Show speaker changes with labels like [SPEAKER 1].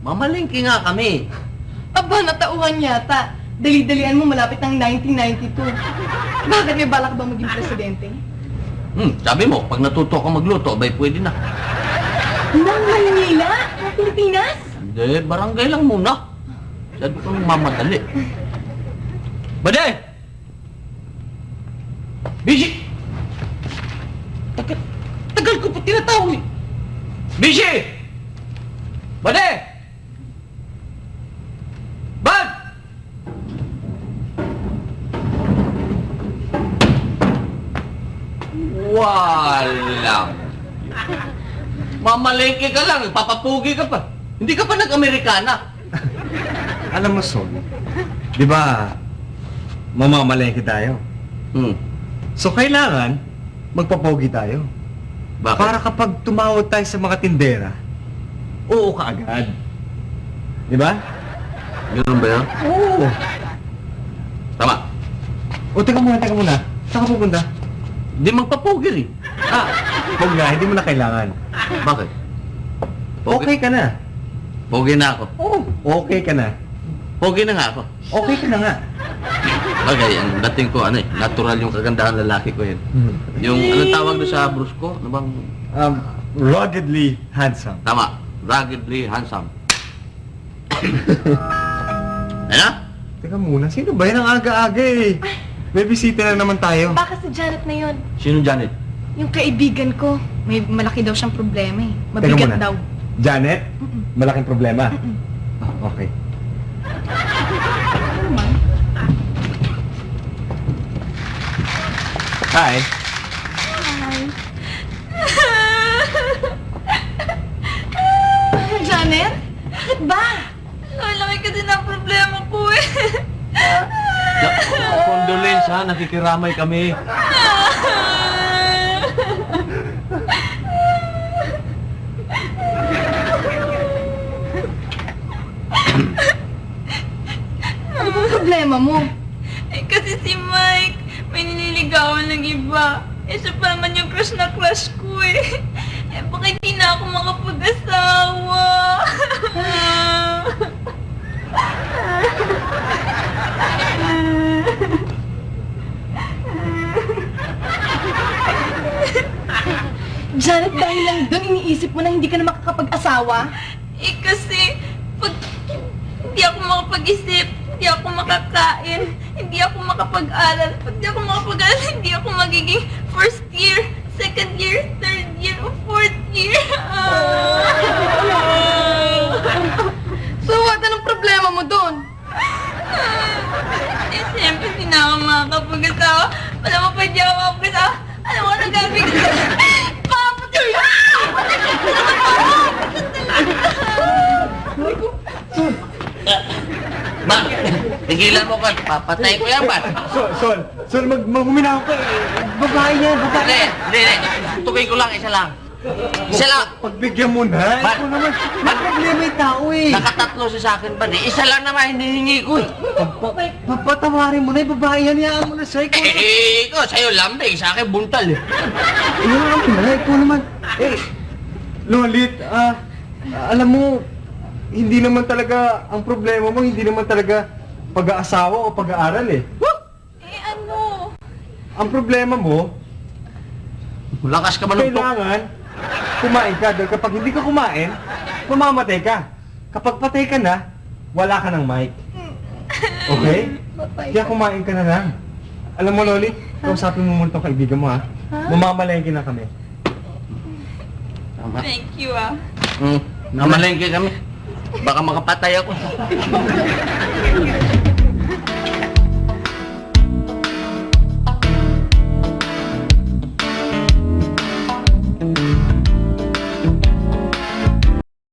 [SPEAKER 1] Mamalengke nga kami.
[SPEAKER 2] Aba, natauhan yata. Dali-dalian mo malapit ng 1992. Bakit may balak ba maging presidente?
[SPEAKER 1] Sabi mo, pag natuto ka magluto, abay pwede na.
[SPEAKER 2] Nang Manila? Ng Pilipinas?
[SPEAKER 1] Hindi, barangay lang muna. Sabi ko mamadali. Bade! Bishi! Tagal ko pa tinatawag eh. Bishi! Bade! Bad! Wala. Mamalengke ka lang, papapugi ka pa. Hindi ka pa nag-Amerikana.
[SPEAKER 3] Alam mo, Sol, di ba, mamamalengke tayo. So, kailangan magpapogi tayo.
[SPEAKER 1] Bakit?
[SPEAKER 3] Para kapag tumawag tayo sa mga tindera, oo ka agad. Di ba?
[SPEAKER 1] Ganun ba yan?
[SPEAKER 3] Oo.
[SPEAKER 1] Tama.
[SPEAKER 3] O, teka muna. Saan ka pupunta?
[SPEAKER 1] Hindi magpapugi rin.
[SPEAKER 3] Huwag na, hindi mo na kailangan.
[SPEAKER 1] Bakit?
[SPEAKER 3] Okay ka na.
[SPEAKER 1] Pogi na ako.
[SPEAKER 3] Oo, okay ka na.
[SPEAKER 1] Pogi na nga ako.
[SPEAKER 3] Okay ka na nga.
[SPEAKER 1] Bagay, ang dating ko, natural yung kagandahan lalaki ko yun. Yung, anong tawag doon sa bruise ko? Ano bang?
[SPEAKER 3] Ruggedly handsome.
[SPEAKER 1] Tama. Ruggedly handsome. Ano?
[SPEAKER 3] Teka muna, sino ba yan ang aga-aga eh? May bisita na naman tayo.
[SPEAKER 2] Baka si Janet na yon.
[SPEAKER 1] Sino Janet?
[SPEAKER 2] Yung kaibigan ko. May malaki daw siyang problema eh.
[SPEAKER 3] Teka
[SPEAKER 2] Mabigat
[SPEAKER 3] muna.
[SPEAKER 2] daw.
[SPEAKER 3] Janet? Malaking problema? Okay. Hi.
[SPEAKER 2] Janet? Bakit ba?
[SPEAKER 4] Laki kasi ng problema ko eh.
[SPEAKER 1] Condolence ha, nakikiramay kami.
[SPEAKER 2] Ano bang problema mo?
[SPEAKER 4] Eh kasi si Mike, may nililigawan ng iba. Eh siya pa naman yung crush na crush ko eh. Eh baka hindi na ako makapag-asawa.
[SPEAKER 2] Janet, dahil lang doon iniisip mo na hindi ka na makakapag-asawa?
[SPEAKER 4] Eh kasi, pag hindi ako makapag-isip, hindi ako makakain, hindi ako makapag-aral. Pag hindi ako makapag-aral, hindi ako magiging first year, second year, third year, o fourth year.
[SPEAKER 2] So what? Anong problema mo doon?
[SPEAKER 4] Eh siyempre, hindi na ako makakapag-asawa. Wala mo pa hindi ako makapag-asawa. Alam mo, nagagawin ko. Papatay!
[SPEAKER 1] Ba, tigilan mo ka, papatay ko yan ba?
[SPEAKER 3] Sol, huminaw ka eh. Babae yan, babae.
[SPEAKER 1] Hindi. Tukoy ko lang, isa lang. Isa lang.
[SPEAKER 3] Pagbigyan mo na.
[SPEAKER 1] Ba-
[SPEAKER 3] Ikaw naman, may problema yung tao eh.
[SPEAKER 1] Nakatatlo siya sa akin ba? Isa lang naman hinihingi ko eh.
[SPEAKER 3] Papatawarin mo na yung babae yan. Iyaan mo na siya. Ikaw naman.
[SPEAKER 1] Ikaw, sa'yo lambing, sa akin buntal eh.
[SPEAKER 3] Iyaan mo na. Ikaw naman. Lolit, alam mo, hindi naman talaga, ang problema mo, hindi naman talaga pag-aasawa o pag-aaral eh.
[SPEAKER 4] Eh ano?
[SPEAKER 3] Ang problema mo,
[SPEAKER 1] Lakas ka manuntok.
[SPEAKER 3] kailangan kumain ka. Dahil kapag hindi ka kumain, mamamatay ka. Kapag patay ka na, wala ka ng mic. Okay? Kaya kumain ka na lang. Alam mo, Loli, kausapin mo muna itong kaibigan mo, ha? Mamamalengke na kami.
[SPEAKER 1] Tama.
[SPEAKER 4] Thank you ah.
[SPEAKER 1] Namalengke kami. Baka makapatay ako.